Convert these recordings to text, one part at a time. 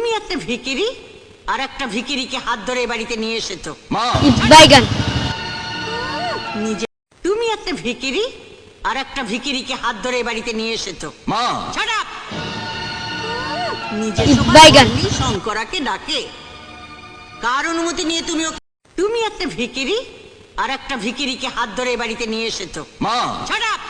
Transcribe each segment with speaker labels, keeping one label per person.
Speaker 1: তুমি একটা ভিখিরি আর একটা ভিখিরিকে হাত ধরে বাড়িতে নিয়ে এসেছো।
Speaker 2: মা
Speaker 3: বাইগান
Speaker 1: নিজে তুমি একটা ভিখিরি আর একটা ভিখিরিকে হাত ধরে বাড়িতে নিয়ে এসেছো।
Speaker 2: মা
Speaker 1: Shut up! নিজে
Speaker 3: বাইগান।
Speaker 1: শঙ্করাকে ডাকে। কার অনুমতি নিয়ে তুমি একটা ভিখিরি আর একটা ভিখিরিকে হাত ধরে বাড়িতে নিয়ে এসেছো।
Speaker 2: মা
Speaker 1: Shut up!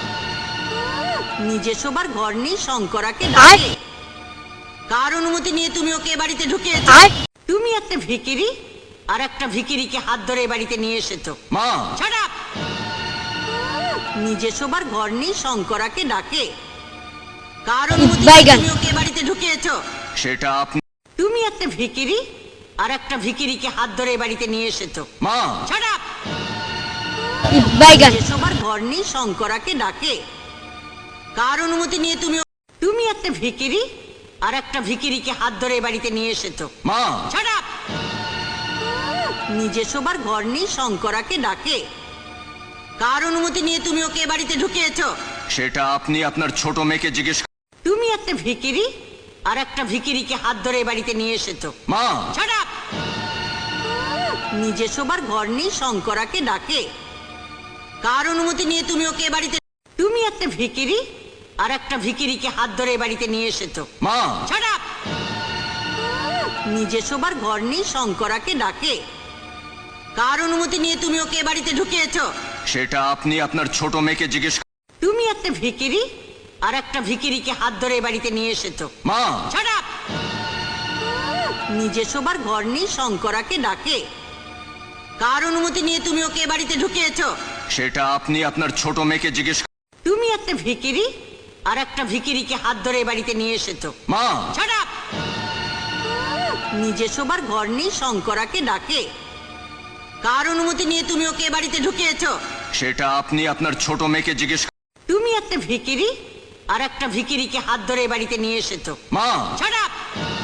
Speaker 1: নিজে শোবার ঘর নেই শঙ্করাকে ডাকে। কার অনুমতি নিয়ে তুমি ওকে এ বাড়িতে ঢুকিয়েছো।
Speaker 3: আর
Speaker 1: তুমি একটা ভিখিরি আর একটা ভিখিরিকে হাত ধরে বাড়িতে নিয়ে এসেছো।
Speaker 2: মা
Speaker 1: Shut up! নিজে শোবার ঘর নেই শঙ্করাকে ডাকে। কার অনুমতি নিয়ে
Speaker 3: বাইগান।
Speaker 1: তুমি ওকে এ বাড়িতে ঢুকিয়েছো।
Speaker 2: সেটা আপনি
Speaker 1: তুমি একটা ভিখিরি আর একটা ভিখিরিকে হাত ধরে বাড়িতে নিয়ে এসেছো।
Speaker 2: মা
Speaker 1: Shut up!
Speaker 3: বাইগান
Speaker 1: নিজে শোবার ঘর নেই শঙ্করাকে ডাকে। কার অনুমতি নিয়ে তুমি একটা ভিখিরি আর একটা ভিখিরিকে হাত ধরে বাড়িতে নিয়ে এসেছো।
Speaker 2: মা
Speaker 1: Shut up! নিজে শোবার ঘর নেই শঙ্করাকে ডাকে। কার অনুমতি নিয়ে তুমি ওকে এ বাড়িতে ঢুকিয়েছো।
Speaker 2: সেটা আপনি আপনার ছোট মেয়েকে জিজ্ঞেস
Speaker 1: তুমি একটা ভিখিরি আর একটা ভিখিরিকে হাত ধরে বাড়িতে নিয়ে এসেছো।
Speaker 2: মা
Speaker 1: Shut up! নিজে শোবার ঘর নেই শঙ্করাকে ডাকে। কার অনুমতি নিয়ে তুমি ওকে এ বাড়িতে তুমি একটা ভিখিরি আর একটা ভিখিরিকে হাত ধরে বাড়িতে নিয়ে এসেছো।
Speaker 2: মা
Speaker 1: Shut up! নিজে শোবার ঘর নেই শঙ্করাকে ডাকে। কার অনুমতি নিয়ে তুমি ওকে এ বাড়িতে ঢুকিয়েছো।
Speaker 2: সেটা আপনি আপনার ছোট মেয়েকে জিজ্ঞেস
Speaker 1: তুমি একটা ভিখিরি আর একটা ভিখিরিকে হাত ধরে বাড়িতে নিয়ে এসেছো।
Speaker 2: মা
Speaker 1: Shut up! নিজে শোবার ঘর নেই শঙ্করাকে ডাকে। কার অনুমতি নিয়ে তুমি ওকে এ বাড়িতে ঢুকিয়েছো।
Speaker 2: সেটা আপনি আপনার ছোট মেয়েকে জিজ্ঞেস
Speaker 1: তুমি একটা ভিখিরি আর একটা ভিখিরিকে হাত ধরে বাড়িতে নিয়ে এসেছো।
Speaker 2: মা
Speaker 1: Shut up! নিজে শোবার ঘর নেই শঙ্করাকে ডাকে। কার অনুমতি নিয়ে তুমি ওকে এ বাড়িতে ঢুকিয়েছো।
Speaker 2: সেটা আপনি আপনার ছোট মেয়েকে জিজ্ঞেস
Speaker 1: তুমি একটা ভিখিরি আর একটা ভিখিরিকে হাত ধরে বাড়িতে নিয়ে এসেছো।
Speaker 2: মা
Speaker 1: Shut up!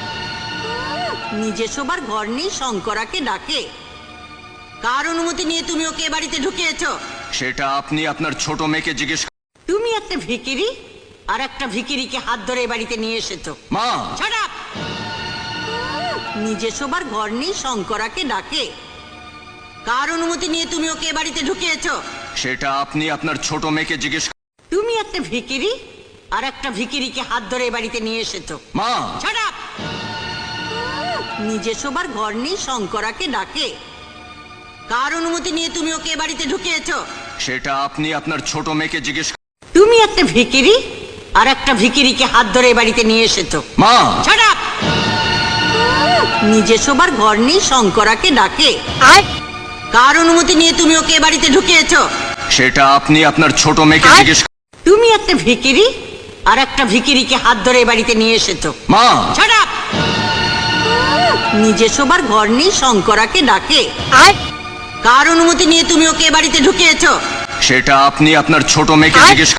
Speaker 1: নিজে শোবার ঘর নেই শঙ্করাকে ডাকে। কার অনুমতি নিয়ে তুমি ওকে এ বাড়িতে ঢুকিয়েছো।
Speaker 2: সেটা আপনি আপনার ছোট মেয়েকে জিজ্ঞেস
Speaker 1: তুমি একটা ভিখিরি আর একটা ভিখিরিকে হাত ধরে বাড়িতে নিয়ে এসেছো।
Speaker 2: মা
Speaker 1: Shut up! নিজে শোবার ঘর নেই শঙ্করাকে ডাকে। কার অনুমতি নিয়ে তুমি ওকে এ বাড়িতে ঢুকিয়েছো।
Speaker 2: সেটা আপনি আপনার ছোট মেয়েকে জিজ্ঞেস
Speaker 1: তুমি একটা ভিখিরি আর একটা ভিখিরিকে হাত ধরে বাড়িতে নিয়ে এসেছো।
Speaker 2: মা
Speaker 1: Shut up! নিজে শোবার ঘর নেই শঙ্করাকে ডাকে। কার অনুমতি নিয়ে তুমি ওকে এ বাড়িতে ঢুকিয়েছো।
Speaker 2: সেটা আপনি আপনার ছোট মেয়েকে জিজ্ঞেস
Speaker 1: তুমি একটা ভিখিরি আর একটা ভিখিরিকে হাত ধরে বাড়িতে নিয়ে এসেছো।
Speaker 2: মা
Speaker 1: Shut up! নিজে শোবার ঘর নেই শঙ্করাকে ডাকে।
Speaker 3: আর
Speaker 1: কার অনুমতি নিয়ে তুমি ওকে এ বাড়িতে ঢুকিয়েছো।
Speaker 2: সেটা আপনি আপনার ছোট মেয়েকে
Speaker 3: আর-
Speaker 2: জিজ্ঞেস
Speaker 1: তুমি একটা ভিখিরি আর একটা ভিখিরিকে হাত ধরে বাড়িতে নিয়ে এসেছো।
Speaker 2: মা
Speaker 1: Shut up! নিজে শোবার ঘর নেই শঙ্করাকে ডাকে।
Speaker 3: আর
Speaker 1: কার অনুমতি নিয়ে তুমি ওকে এ বাড়িতে ঢুকিয়েছো।
Speaker 2: সেটা আপনি আপনার ছোট মেয়েকে
Speaker 3: আর-
Speaker 2: জিজ্ঞেস